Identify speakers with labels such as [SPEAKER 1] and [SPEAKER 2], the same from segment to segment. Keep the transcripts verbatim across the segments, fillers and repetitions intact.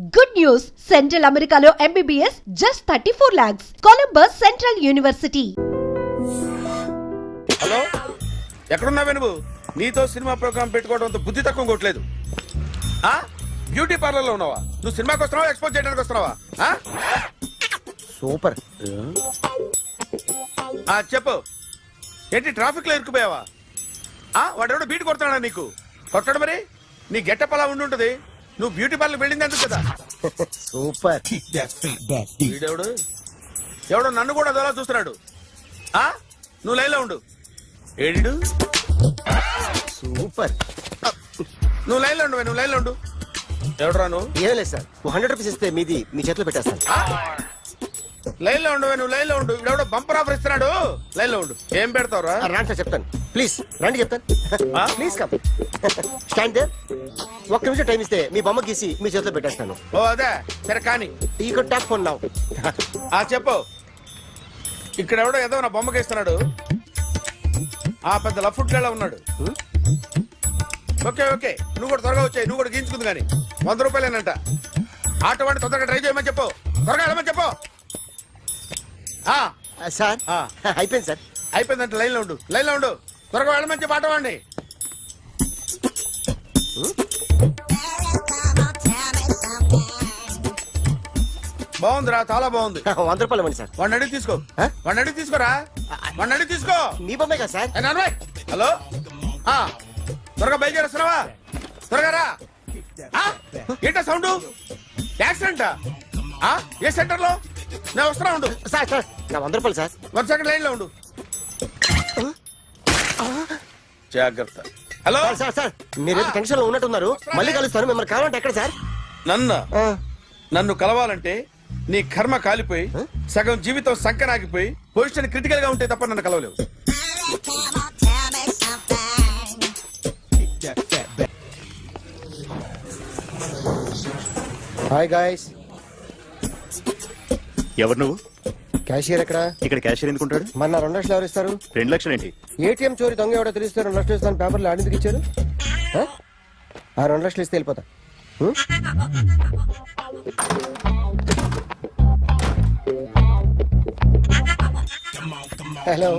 [SPEAKER 1] Good news! Central Americano M B B S just thirty-four lakhs. Columbus Central University.
[SPEAKER 2] Hello, ఎక్కడున్నావే నువ్వు? నీతో cinema programme పెట్టుకోవడంతో బుద్ధి తక్కువ కొట్టలేదు. ఆ బ్యూటీ పార్లర్ లో ఉన్నావా? నువ్వు సినిమాకి వస్తున్నావా, ఎక్స్పోజ్ చేయడానికి వస్తున్నావా?
[SPEAKER 3] సూపర్.
[SPEAKER 2] ఆ చెప్పు, ఏంటి ట్రాఫిక్ లో ఇరుక్కుపోయావా? ఆ వాడెవడో బీట్ కొడతాడా నీకు? కొట్టడు మరి. నీ గెట్టప్ అలా ఉండి ఉంటది. నువ్వు బ్యూటీ పార్లర్ వెళ్ళింది ఎందుకు కదా?
[SPEAKER 3] సూపర్.
[SPEAKER 2] వీడెవడు ఎవడో నన్ను కూడా అదోలా చూస్తున్నాడు. ఆ నువ్వు లైన్ లో ఉండు. ఏడిడు
[SPEAKER 3] సూపర్.
[SPEAKER 2] నువ్వు లైన్ లో ఉండు, నువ్వు లైన్ లో ఉండు. ఎవడరా నువ్వు?
[SPEAKER 3] ఏం లేదు సార్, హండ్రెడ్ రూపీస్ ఇస్తే మీది మీ చేతిలో పెట్టేస్తాను.
[SPEAKER 2] లైన్ లో ఉండు, నువ్వు లైన్ లో ఉండు. ఇవిడెవడో బంపర్ ఆఫర్ ఇస్తున్నాడు. లైన్ లో ఉండు. ఏం పెడతావురా?
[SPEAKER 3] రాండి సార్, చెప్తాను. ప్లీజ్ రండి, చెప్తాను. Please come. Stand there. ఒక్క నిమిషం టైం ఇస్తే మీ బొమ్మ గీసి మీ చేతిలో పెట్టేస్తాను.
[SPEAKER 2] ఓ అదే సరే కానీ.
[SPEAKER 3] ఈ కుడ్ టాక్ ఫోన్ నౌ.
[SPEAKER 2] ఆ చెప్పు. ఇక్కడ ఎవడో ఏదో నా బొమ్మకి ఇస్తున్నాడు. ఆ పెద్ద లఫుట్ గేళ ఉన్నాడు. ఓకే ఓకే, నువ్వు కూడా త్వరగా వచ్చాయి. నువ్వు కూడా గీంచుకుంది కానీ వంద రూపాయలేనంట. ఆటో వాడిని తొందరగా ట్రై చేయమని చెప్పు. త్వరగా వెళ్ళమని చెప్పు.
[SPEAKER 3] సార్ అయిపోయింది సార్.
[SPEAKER 2] అయిపోయిందంటే లైన్ లో ఉండు, లైన్ లో ఉండు. త్వరగా వెళ్ళమని చెప్పు ఆటో వాడిని. బాగుందిరా, చాలా బాగుంది.
[SPEAKER 3] వంద రూపాయలు ఇవ్వండి సార్.
[SPEAKER 2] వాడిని అడిగి తీసుకో. వాడిని అడిగి తీసుకోరా. వాడిని అడిగి తీసుకో.
[SPEAKER 3] మీ బొమ్మే కదా సార్.
[SPEAKER 2] హలో, త్వరగా బయలుదేరేస్తున్నావా? త్వరగా రా. ఏంటా సౌండ్? యాక్సిడెంట్? ఏ సెంటర్ లో? నేను వస్తున్నా ఉండు.
[SPEAKER 3] సార్ సార్ నా వంద రూపాయలు సార్.
[SPEAKER 2] వన్ సెకండ్ లైన్ లో ఉండు. జాగ్రత్త. Hello
[SPEAKER 3] sir. సార్ మీరు టెన్షన్ లో ఉన్నట్టున్నారు. మళ్ళీ కలుస్తాను. మిమ్మల్ని కావాలంటే ఎక్కడ సార్?
[SPEAKER 2] నన్ను నన్ను కలవాలంటే నీ కర్మ కాలిపోయి సగం జీవితం సంకనాగిపోయి పొజిషన్ క్రిటికల్ గా ఉంటే తప్ప నన్ను కలవలేవు.
[SPEAKER 3] Hi guys.
[SPEAKER 4] ఎవరు నువ్వు?
[SPEAKER 3] క్యాషియర్ ఎక్కడ?
[SPEAKER 4] ఇక్కడ క్యాషియర్ ఎందుకుంటాడు?
[SPEAKER 3] మన రెండు లక్షలు ఎవరు ఇస్తారు?
[SPEAKER 4] రెండు లక్షలు ఏంటి?
[SPEAKER 3] ఏటీఎం చోరీ దొంగ ఎవడో తెలిస్తే రెండు లక్షలు ఇస్తాను పేపర్లు ఆడిందుకు ఇచ్చారు. ఆ రెండు లక్షలు ఇస్తే వెళ్ళిపోతా. హలో.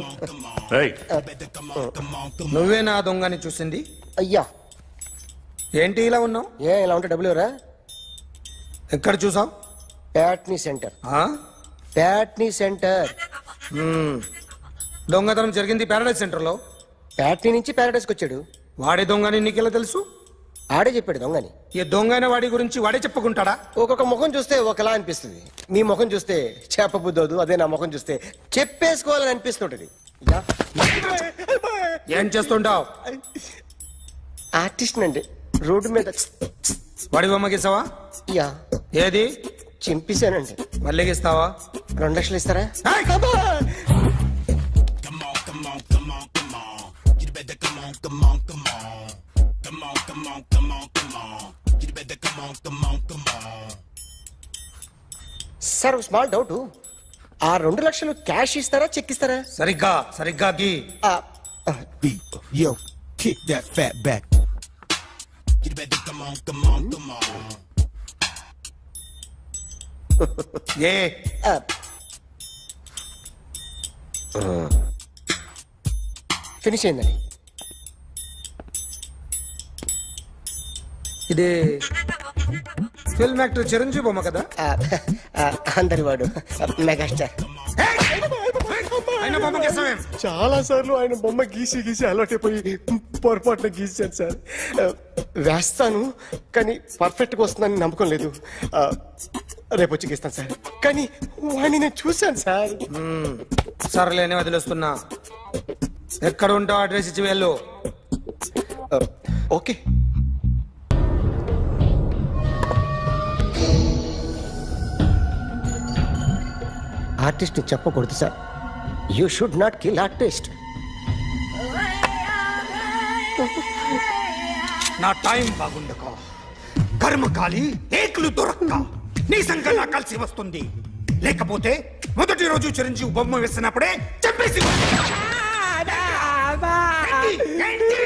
[SPEAKER 5] నువ్వే నా దొంగని చూసింది?
[SPEAKER 3] అయ్యా
[SPEAKER 5] ఏంటి ఇలా ఉన్నావు?
[SPEAKER 3] ఏ ఇలా ఉంటే డబ్బులు ఎవరా?
[SPEAKER 5] ఎక్కడ చూసావు?
[SPEAKER 3] ప్యాట్నీ సెంటర్. ప్యాట్నీ సెంటర్.
[SPEAKER 5] దొంగతనం జరిగింది ప్యారడైజ్ సెంటర్ లో.
[SPEAKER 3] ప్యాట్నీ నుంచి ప్యారడైజ్కి వచ్చాడు.
[SPEAKER 5] వాడే దొంగని నీకెలా తెలుసు?
[SPEAKER 3] ఆడే చెప్పాడు దొంగని.
[SPEAKER 5] ఈ దొంగైన వాడి గురించి వాడే చెప్పుకుంటాడా?
[SPEAKER 3] ఒక్కొక్క ముఖం చూస్తే ఒకలా అనిపిస్తుంది. మీ ముఖం చూస్తే చెప్పబుద్దోదు, అదే నా ముఖం చూస్తే చెప్పేసుకోవాలని అనిపిస్తుంటది.
[SPEAKER 5] ఏం చేస్తుంటావు?
[SPEAKER 3] ఆర్టిస్ట్ అండి. రోడ్డు మీద
[SPEAKER 5] వాడి బొమ్మ గీసావా?
[SPEAKER 3] యా.
[SPEAKER 5] ఏది?
[SPEAKER 3] చింపేశానండి.
[SPEAKER 5] మళ్ళీ గీస్తావా?
[SPEAKER 3] రెండు లక్షలు ఇస్తారా? సార్ స్మాల్ డౌట్, ఆ రెండు లక్షలు క్యాష్ ఇస్తారా చెక్ ఇస్తారా?
[SPEAKER 5] సరిగ్గా సరిగ్గా గీ.
[SPEAKER 6] Yo, kick that fat back. You better come on, come on, come on.
[SPEAKER 5] ఏ
[SPEAKER 3] ఫినిష్ అయిందండి.
[SPEAKER 5] ఇది ఫిల్మ్ యాక్టర్ చిరంజీవి బొమ్మ కదా?
[SPEAKER 3] అందరి వాడు మెగాస్టార్.
[SPEAKER 5] ఆయన బొమ్మ గీసావేం?
[SPEAKER 3] చాలా సార్లు ఆయన బొమ్మ గీసి గీసి అలవాటైపోయి పొరపాటున గీసాను సార్. వేస్తాను కానీ పర్ఫెక్ట్ గా వస్తుందని నమ్మకం లేదు. రేపు వచ్చి గీస్తాను సార్. కానీ వాడిని నేను చూశాను సార్.
[SPEAKER 5] సర్లేని వదిలేస్తున్నా. ఎక్కడ ఉంటావు అడ్రస్ ఇచ్చి వెళ్ళు.
[SPEAKER 3] ఓకే. ఆర్టిస్ట్ చెప్పకూడదు sir. You should not kill artist.
[SPEAKER 5] నా టైం బాగుండక కర్మకాలి ఏకులు దొరక్క నీ సంఘం నా కలిసి వస్తుంది. లేకపోతే మొదటి రోజు చిరంజీవి బొమ్మ వేసినప్పుడే చెప్పేసి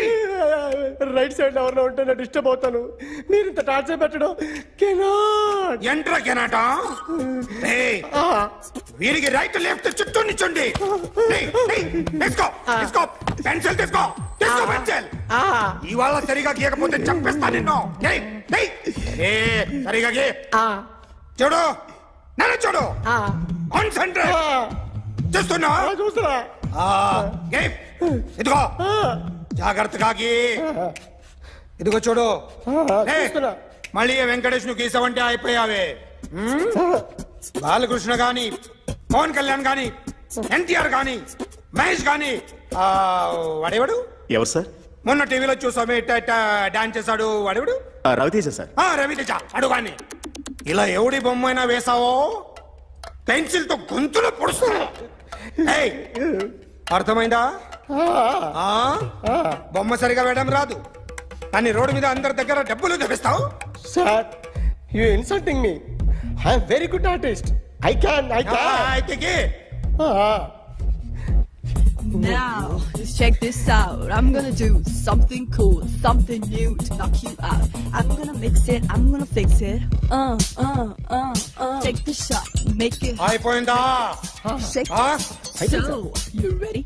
[SPEAKER 3] రైట్ సైడ్ ఎవరిలో ఉంటే నేను డిస్టర్బ్ అవుతాను. మీరు ఇంత టార్చర్ పెట్టడం కెనాట్.
[SPEAKER 5] ఎంట్రా కెనాట ఏయ్, వీరికి రైట్ లెఫ్ట్ చుట్టూ నిచ్చండి. తీసుకో తీసుకో పెన్సిల్ తీసుకో తీసుకో పెన్సిల్. ఇవాళ సరిగా గీయకపోతే చంపేస్తా నిన్ను. ఏయ్, ఏయ్, ఏ, సరిగా గీ. చూడు నన్ను చూడు. కాన్సంట్రేట్ చూస్తున్నా
[SPEAKER 3] చూస్తున్నా
[SPEAKER 5] ఆ, గీ. ఇదిగో జాగ్రత్తగా గీ. ఇదిగో చూడు. ఏయ్,
[SPEAKER 3] చూస్తున్నా.
[SPEAKER 5] మళ్ళీ వెంకటేష్ ను గీసావంటే అయిపోయావే. హ్మ్? బాలకృష్ణ గాని పవన్ కళ్యాణ్ గాని ఎన్టీఆర్ గాని మహేష్ గాని ఆ, వాడేవాడు
[SPEAKER 4] ఎవరు సార్?
[SPEAKER 5] మొన్న టీవీలో చూసామే డాన్స్ చేశాడు వాడేవాడు.
[SPEAKER 4] ఆ, రవితేజ సార్.
[SPEAKER 5] ఆ, రవితేజ అడుగాని. ఇలా ఎవడి బొమ్మ అయినా వేసావో పెన్సిల్ తో గొంతులో పొడుస్తా. ఏయ్, అర్థమైందా? ఆ? బొమ్మ సరిగా వేయడం రాదు కానీ రోడ్డు మీద అందరి దగ్గర డబ్బులు తెప్పిస్తావు.
[SPEAKER 3] Sir you insulting me. I'm very good artist. I can I
[SPEAKER 5] ఆ,
[SPEAKER 3] క్యాన్
[SPEAKER 5] అయితే గీ.
[SPEAKER 7] Now, just check this out. I'm gonna do something cool, something new to knock you out. I'm gonna mix it, I'm gonna fix it. Uh, uh, uh, uh. Take the shot, make it hot,
[SPEAKER 5] అయిపోయిందా?
[SPEAKER 7] shake
[SPEAKER 5] ఆ?
[SPEAKER 7] it. So, you ready?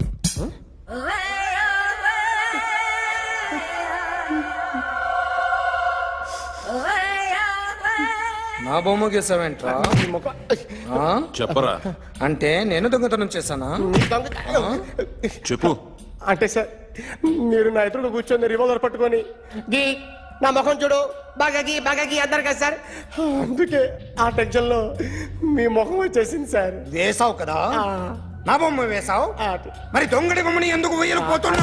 [SPEAKER 5] నా బొమ్మ గీసావేంట్రా? ఆ?
[SPEAKER 4] చెప్పరా.
[SPEAKER 5] అంటే నేను దొంగతనం చేశానా?
[SPEAKER 4] చెప్పు.
[SPEAKER 3] అంటే సార్ మీరు నా ఎదురు కూర్చొని రివాల్వర్ పట్టుకొని గీ నా ముఖం చూడు బాగా గీ బాగా గీ అన్నారు కదా సార్. అందుకే ఆ టెన్షన్ లో మీ ముఖం వచ్చేసింది సార్.
[SPEAKER 5] వేసావు కదా, నా బొమ్మ వేసావు. మరి దొంగడి బొమ్మని ఎందుకు వేయలు పోతున్నా?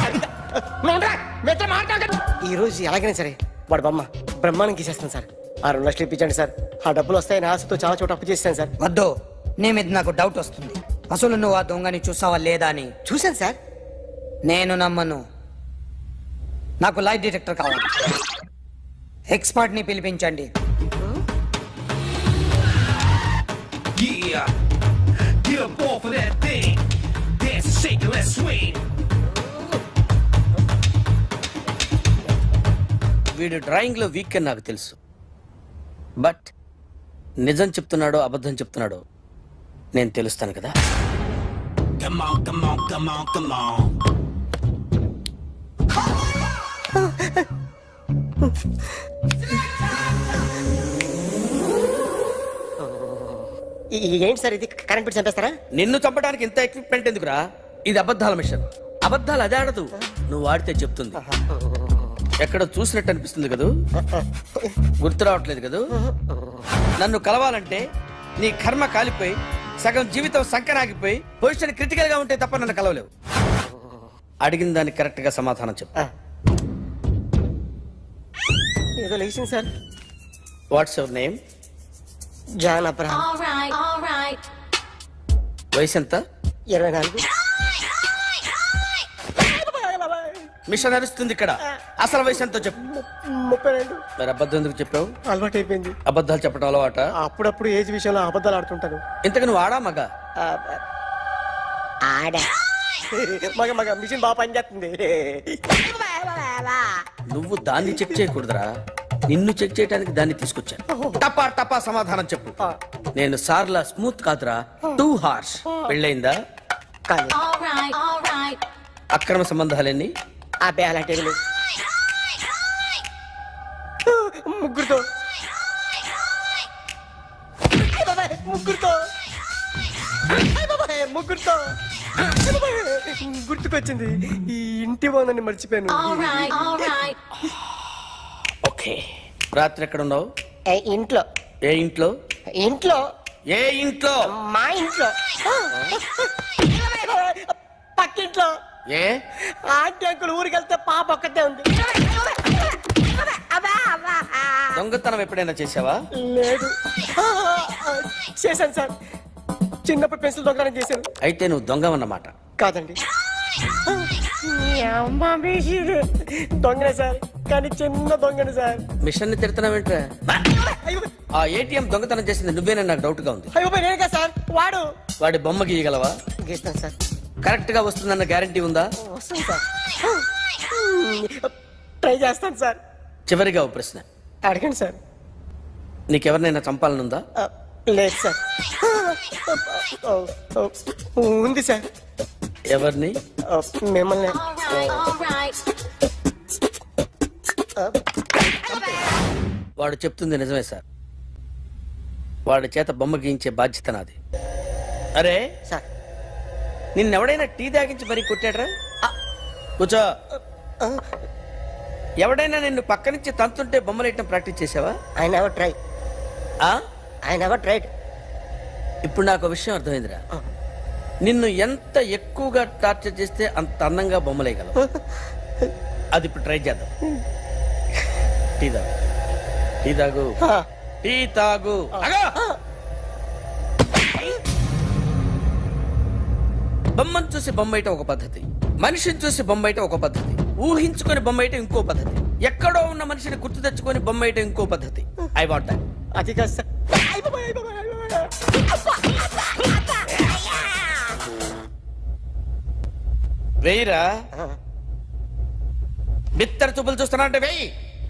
[SPEAKER 3] ఈ రోజు ఎలాగైనా సరే వాడు బొమ్మ బ్రహ్మాండం గీసేస్తాను సార్. ఆ రెండు లక్షలు ఇప్పించండి సార్. ఆ డబ్బులు వస్తాయని ఆశతో చాలా చోట అప్పు చేస్తాను సార్.
[SPEAKER 8] వద్దు, నీ మీద నాకు డౌట్ వస్తుంది. అసలు నువ్వు ఆ దొంగని చూసావా లేదా అని.
[SPEAKER 3] చూశాను సార్.
[SPEAKER 8] నేను నమ్మను. నాకు లైట్ డిటెక్టర్ కావాలి. ఎక్స్పర్ట్ ని పిలిపించండి.
[SPEAKER 6] Yeah, get up off of that thing. Dance and shake and let's swing.
[SPEAKER 9] వీడు డ్రాయింగ్ లో వీక్ అని నాకు తెలుసు. బట్ నిజం చెప్తున్నాడో అబద్ధం చెప్తున్నాడో నేను తెలుస్తాను కదా.
[SPEAKER 6] Come on, come on, come on, come on.
[SPEAKER 3] ఈ- ఈ- ఏంటి సార్ ఇది కరెంట్ పెట్టి చంపేస్తారా?
[SPEAKER 9] నిన్ను చంపడానికి ఇంత ఎక్విప్మెంట్ ఎందుకురా? ఇది అబద్ధాల మిషన్. అబద్ధాలు అదే ఆడదు, నువ్వు వాడితే చెప్తుంది. ఎక్కడ చూసినట్టు అనిపిస్తుంది కదూ? గుర్తు రావట్లేదు కదూ? నన్ను కలవాలంటే నీ కర్మ కాలిపోయి సగం జీవితం సంకనాగిపోయి పొజిషన్ క్రిటికల్ గా ఉంటే తప్ప నన్ను కలవలేవు. అడిగిన దానికి కరెక్ట్ గా సమాధానం చెప్పు.
[SPEAKER 3] ఏదో లేచింది sir.
[SPEAKER 9] What's your name?
[SPEAKER 3] John Abraham.
[SPEAKER 7] All right, all right.
[SPEAKER 9] వయసు ఎంత?
[SPEAKER 3] ఇరవై నాలుగు.
[SPEAKER 9] మిషన్ నడుస్తుంది ఇక్కడ. అసలు వయసు ఎంతో చెప్పు.
[SPEAKER 3] ముప్పై రెండు.
[SPEAKER 9] మరి అబద్ధం ఎందుకు చెప్పావు?
[SPEAKER 3] అలవాటు అయిపోయింది.
[SPEAKER 9] అబద్ధాలు చెప్పడం అలవాట?
[SPEAKER 3] అప్పుడప్పుడు ఏజ్ విషయంలో అబద్ధాలు ఆడుతుంటాను.
[SPEAKER 9] ఇంతకు నువ్వు ఆడా మగ?
[SPEAKER 3] ఆడా మగ మగ మిషన్ బాగా పనిచేస్తుంది.
[SPEAKER 9] నువ్వు దాన్ని చెక్ చేయకూడదురా, నిన్ను చెక్ చేయడానికి దాన్ని తీసుకొచ్చాను. టపా టపా సమాధానం చెప్పు. నేను సార్లా స్మూత్ కాదురా, టూ హార్ష్. పెళ్ళయిందా?
[SPEAKER 3] కానీ
[SPEAKER 7] All right, all right.
[SPEAKER 9] అక్రమ సంబంధాలన్నీ?
[SPEAKER 3] అబ్బే అలాంటి ఏమీ లేవు. ముగ్గురుతో అయ్ బాబాయ్, ముగ్గురుతో అయ్ బాబాయ్, ముగ్గురుతో అయ్ బాబాయ్, గుర్తుకొచ్చింది. ఈ ఇంటి వాళ్ళని మర్చిపోయాను.
[SPEAKER 7] All right, all right.
[SPEAKER 9] Okay. రాత్రి ఎక్కడ ఉన్నావు?
[SPEAKER 3] ఇంట్లో.
[SPEAKER 9] ఏ ఇంట్లో?
[SPEAKER 3] ఇంట్లో
[SPEAKER 9] ఏ ఇంట్లో?
[SPEAKER 3] మా ఇంట్లో. పక్కింట్లో.
[SPEAKER 9] ఏ
[SPEAKER 3] ఆంటీ అంకుల్ ఊరికి వెళ్తే పాప ఒక్కతే ఉంది.
[SPEAKER 9] దొంగతనం ఎప్పుడైనా చేసావా?
[SPEAKER 3] లేదు. చేశాను సార్. చిన్నప్పుడు పెన్సిల్ దొంగతనం చేశాను.
[SPEAKER 9] అయితే నువ్వు దొంగవన్నమాట.
[SPEAKER 3] కాదండి, దొంగనే సార్, కానీ చిన్న దొంగని సార్.
[SPEAKER 9] మిషన్ ని తిడుతున్నావేంట్రా?
[SPEAKER 3] అయ్యో
[SPEAKER 9] ఆ ఏటీఎం దొంగతనం చేసింది నువ్వేనని నాకు డౌట్ గా ఉంది.
[SPEAKER 3] అయ్యో నేను కదా సార్, వాడు.
[SPEAKER 9] వాడి బొమ్మ గీయగలవా?
[SPEAKER 3] గీస్తాను సార్.
[SPEAKER 9] కరెక్ట్ గా వస్తుందన్న గ్యారంటీ ఉందా?
[SPEAKER 3] వస్తాను సార్. ట్రై చేస్తాను సార్.
[SPEAKER 9] చివరిగా ఓ ప్రశ్న
[SPEAKER 3] అడగండి సార్.
[SPEAKER 9] నీకెవరినైనా చంపాలనుందా?
[SPEAKER 3] ఆ, లేదు సార్. ఆ, ఆ, ఉంది సార్.
[SPEAKER 9] ఎవరిని?
[SPEAKER 3] ఆ, మిమ్మల్ని.
[SPEAKER 9] వాడు చెప్తుంది నిజమే సార్. వాడి చేత బొమ్మ గీయించే బాధ్యత నాది. అరే
[SPEAKER 3] సార్.
[SPEAKER 9] నిన్నెవడైనా టీ తాగించి మరీ కొట్టాడ్రా? కూర్చో. ఎవడైనా నిన్ను పక్క నుంచి తంతుంటే బొమ్మలేయటం ప్రాక్టీస్ చేసావా?
[SPEAKER 3] I never try.
[SPEAKER 9] ఆ?
[SPEAKER 3] I never tried.
[SPEAKER 9] ఇప్పుడు నాకు ఒక విషయం అర్థమైందిరా. నిన్ను ఎంత ఎక్కువగా టార్చర్ చేస్తే అంత అందంగా బొమ్మలేయగలవు. అది ఇప్పుడు ట్రై చేద్దాం. టీ తాగు, టీ తాగు, టీ తాగు. ఆగు! బొమ్మను చూసి బొమ్మేయటం ఒక పద్ధతి, మనిషిని చూసి బొమ్మేయటం ఒక పద్ధతి, ఊహించుకొని బొమ్మేయటం ఇంకో పద్ధతి, ఎక్కడో ఉన్న మనిషిని గుర్తు తెచ్చుకొని బొమ్మేయటం ఇంకో పద్ధతి. I want that.
[SPEAKER 3] అది కాదు సార్.
[SPEAKER 9] వెయ్యిరా. బిత్తర చూపులు చూస్తున్నా అంటే వెయ్యి.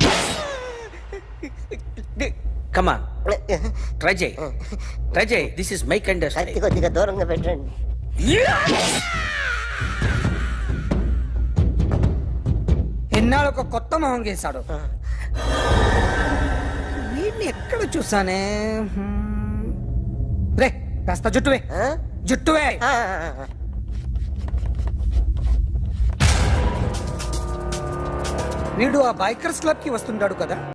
[SPEAKER 9] కమాన్, ట్రై చేయి, ట్రై చేయి. This is my kind of style.
[SPEAKER 3] కొద్దిగా దూరంగా పెట్టండి.
[SPEAKER 8] ఎన్నాళ్ళు ఒక కొత్త మొహం గీశాడు. వీడిని ఎక్కడ చూసానే? హ్మ్. రే కాస్త జుట్టువే, జుట్టువే. వీడు ఆ బైకర్స్ క్లబ్ కి వస్తుంటాడు కదా.